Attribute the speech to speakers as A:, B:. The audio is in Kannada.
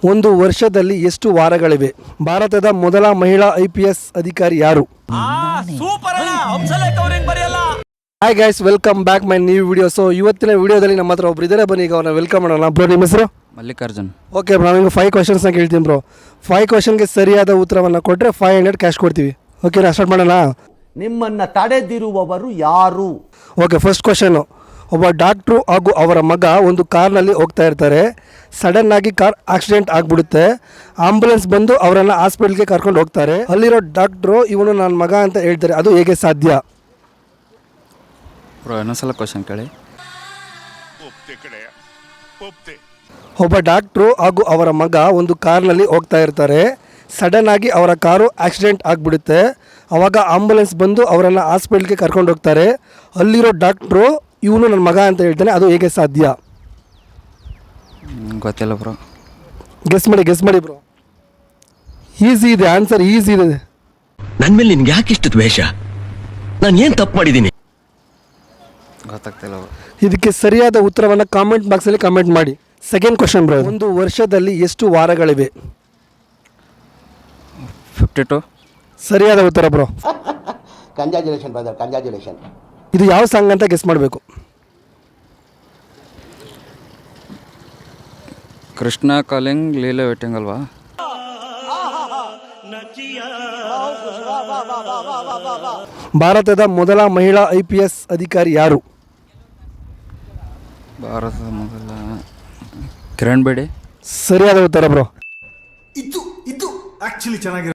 A: ಒಂದು ವರ್ಷದಲ್ಲಿ ಎಷ್ಟು ವಾರಗಳಿವೆ? ಭಾರತದ ಮೊದಲ ಮಹಿಳಾ IPS ಅಧಿಕಾರಿ ಯಾರು? Hi guys, welcome back my new video. So ಇವತ್ತಿನ ವಿಡಿಯೋದಲ್ಲಿ ನಮ್ಮ ಹತ್ರ ಒಬ್ರು ಇದ್ದಾರೆ, ಬನ್ನಿ ಈಗ ಅವ್ರನ್ನ ವೆಲ್ಕಮ್ ಮಾಡೋಣ. ಬ್ರೋ, ನಿಮ್ಮ ಹೆಸರು?
B: ಮಲ್ಲಿಕಾರ್ಜುನ್.
A: ಓಕೆ ಬ್ರೋ, ನಿಮಗೆ 5 ಕ್ವಶನ್ಸ್ನ ಕೇಳ್ತೀನಿ ಬ್ರೋ. 5 ಕ್ವಶನ್ಗೆ ಸರಿಯಾದ ಉತ್ತರವನ್ನು ಕೊಟ್ಟರೆ 500 ಕ್ಯಾಶ್ ಕೊಡ್ತೀವಿ. ಓಕೆನಾ, ಸ್ಟಾರ್ಟ್ ಮಾಡೋಣ.
C: ನಿಮ್ಮನ್ನು ತಡೆದಿರುವವರು ಯಾರು?
A: Okay, first question. ಒಬ್ಬ ಡಾಕ್ಟ್ರು ಹಾಗೂ ಅವರ ಮಗ ಒಂದು ಕಾರ್ನಲ್ಲಿ ಹೋಗ್ತಾ ಇರ್ತಾರೆ. ಸಡನ್ ಆಗಿ ಕಾರ್ ಆಕ್ಸಿಡೆಂಟ್ ಆಗಿಬಿಡುತ್ತೆ. ಆಂಬುಲೆನ್ಸ್ ಬಂದು ಅವರನ್ನು ಹಾಸ್ಪಿಟ್ಲ್ಗೆ ಕರ್ಕೊಂಡು ಹೋಗ್ತಾರೆ. ಅಲ್ಲಿರೋ ಡಾಕ್ಟ್ರು ಇವನು ನನ್ನ ಮಗ ಅಂತ ಹೇಳ್ತಾರೆ. ಅದು ಹೇಗೆ ಸಾಧ್ಯ?
B: ಬ್ರೋ, ಇನ್ನೊಂದ್ಸಲ ಕ್ವಶನ್ ಕೇಳಿ.
A: ಒಬ್ಬ ಡಾಕ್ಟ್ರು ಹಾಗೂ ಅವರ ಮಗ ಒಂದು ಕಾರ್ನಲ್ಲಿ ಹೋಗ್ತಾ ಇರ್ತಾರೆ. ಸಡನ್ ಆಗಿ ಅವರ ಕಾರು ಆಕ್ಸಿಡೆಂಟ್ ಆಗಿಬಿಡುತ್ತೆ. ಆವಾಗ ಆಂಬುಲೆನ್ಸ್ ಬಂದು ಅವರನ್ನು ಹಾಸ್ಪಿಟ್ಲ್ಗೆ ಕರ್ಕೊಂಡು ಹೋಗ್ತಾರೆ. ಅಲ್ಲಿರೋ ಡಾಕ್ಟ್ರು ಇವನು ನನ್ನ ಮಗ ಅಂತ ಹೇಳ್ತಾನೆ. ಅದು ಹೇಗೆ ಸಾಧ್ಯ?
B: ಗೊತ್ತಿಲ್ಲ ಬ್ರೋ.
A: ಗೆಸ್ ಮಾಡಿ ಬ್ರೋ. ಈಸಿ ಇದೆ, ಆನ್ಸರ್ ಈಸಿ ಇದೆ.
D: ನನ್ನ ಮೇಲೆ ನಿನ್ಗೆ ಯಾಕೆ ಇಷ್ಟು ದ್ವೇಷ? ನಾನು ಏನು ತಪ್ಪು ಮಾಡಿದ್ದೀನಿ?
B: ಗೊತ್ತಾಗ್ತಿಲ್ಲ ಬ್ರೋ.
A: ಇದಕ್ಕೆ ಸರಿಯಾದ ಉತ್ತರವನ್ನು ಕಾಮೆಂಟ್ ಬಾಕ್ಸಲ್ಲಿ ಕಮೆಂಟ್ ಮಾಡಿ. Second question bro. ಒಂದು ವರ್ಷದಲ್ಲಿ ಎಷ್ಟು ವಾರಗಳಿವೆ?
B: 52.
A: ಸರಿಯಾದ ಉತ್ತರ ಬ್ರೋ.
C: Congratulation brother, congratulation.
A: ಇದು ಯಾವ ಸಾಂಗ್ ಅಂತ ಗೆಸ್ ಮಾಡಬೇಕು.
B: ಕೃಷ್ಣ ಕಾಲಿಂಗ್ ಲೀಲೆ ವೇಟಿಂಗ್ ಅಲ್ವಾ?
A: ಭಾರತದ ಮೊದಲ ಮಹಿಳಾ IPS ಅಧಿಕಾರಿ ಯಾರು?
B: ಭಾರತದ ಮೊದಲ ಕಿರಣ್ ಬೇಡಿ.
A: ಸರಿಯಾದ ಉತ್ತರ ಬ್ರೋ.
E: ಇದು ಆಕ್ಚುಲಿ ಚೆನ್ನಾಗಿ